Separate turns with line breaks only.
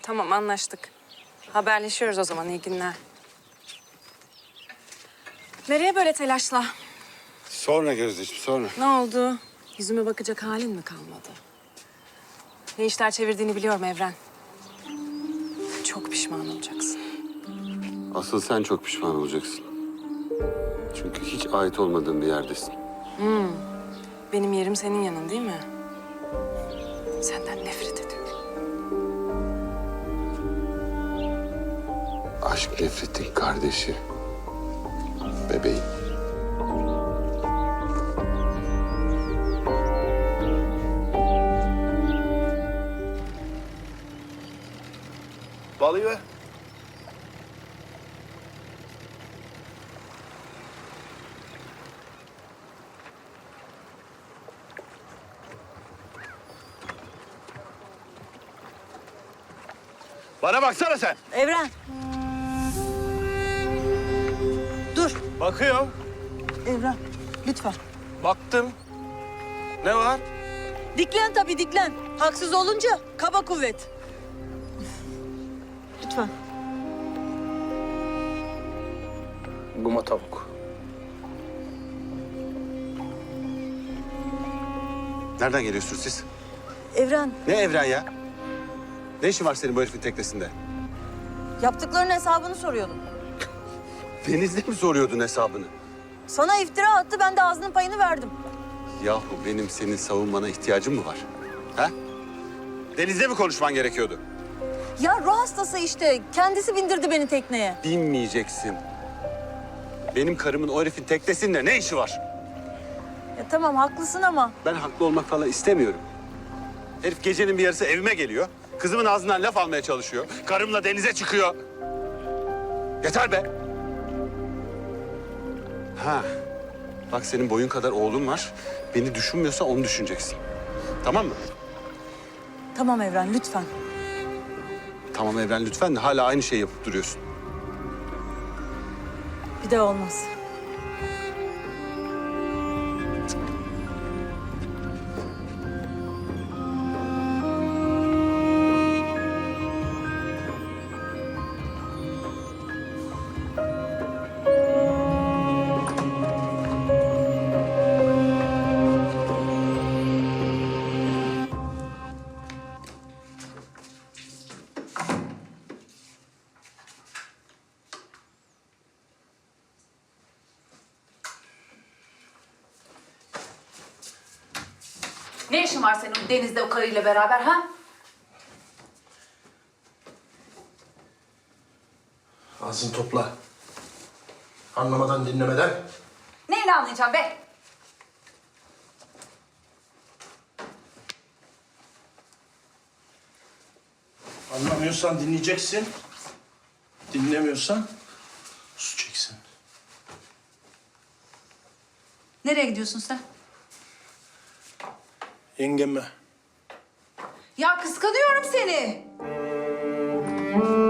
Tamam, anlaştık. Haberleşiyoruz o zaman, iyi günler. Nereye böyle telaşla?
Sonra Gözdeciğim, sonra.
Ne oldu? Yüzüme bakacak halin mi kalmadı? Ne işler çevirdiğini biliyorum Evren. Çok pişman olacaksın.
Asıl sen çok pişman olacaksın. Çünkü hiç ait olmadığın bir yerdesin.
Benim yerim senin yanın değil mi? Senden nefret ediyorum.
Aşk nefretin kardeşi. Bebeğim.
Balayı ver. Bana baksana sen.
Evren. Dur.
Bakıyorum.
Evren, lütfen.
Baktım. Ne var?
Diklen tabii, diklen. Haksız olunca kaba kuvvet. Lütfen.
Guma tavuk.
Nereden geliyorsunuz siz?
Evren,
Ne Evren ya? Ne işin var senin bu herifin teknesinde?
yaptıklarının hesabını soruyordum.
Denizde mi soruyordun hesabını?
Sana iftira attı, ben de ağzının payını verdim.
Yahu benim senin savunmana ihtiyacım mı var? Ha? Denizde mi konuşman gerekiyordu?
Ya ruh hastası işte. Kendisi bindirdi beni tekneye.
Binmeyeceksin. Benim karımın o herifin teknesinde ne işi var?
Ya tamam, haklısın ama
Ben haklı olmak falan istemiyorum. Herif gecenin bir yarısı evime geliyor. Kızımın ağzından laf almaya çalışıyor. Karımla denize çıkıyor. Yeter be. Ha. Bak senin boyun kadar oğlun var. Beni düşünmüyorsa onu düşüneceksin. Tamam mı?
tamam Evren, lütfen.
Tamam Evren lütfen de hala aynı şeyi yapıp duruyorsun.
Bir daha olmaz.
Ne işin var senin denizde o karıyla beraber ha?
Ağzını topla. Anlamadan dinlemeden.
Neyle anlayacağım be?
Anlamıyorsan dinleyeceksin. Dinlemiyorsan susacaksın.
Nereye gidiyorsun sen?
Yengeme.
Ya kıskanıyorum seni.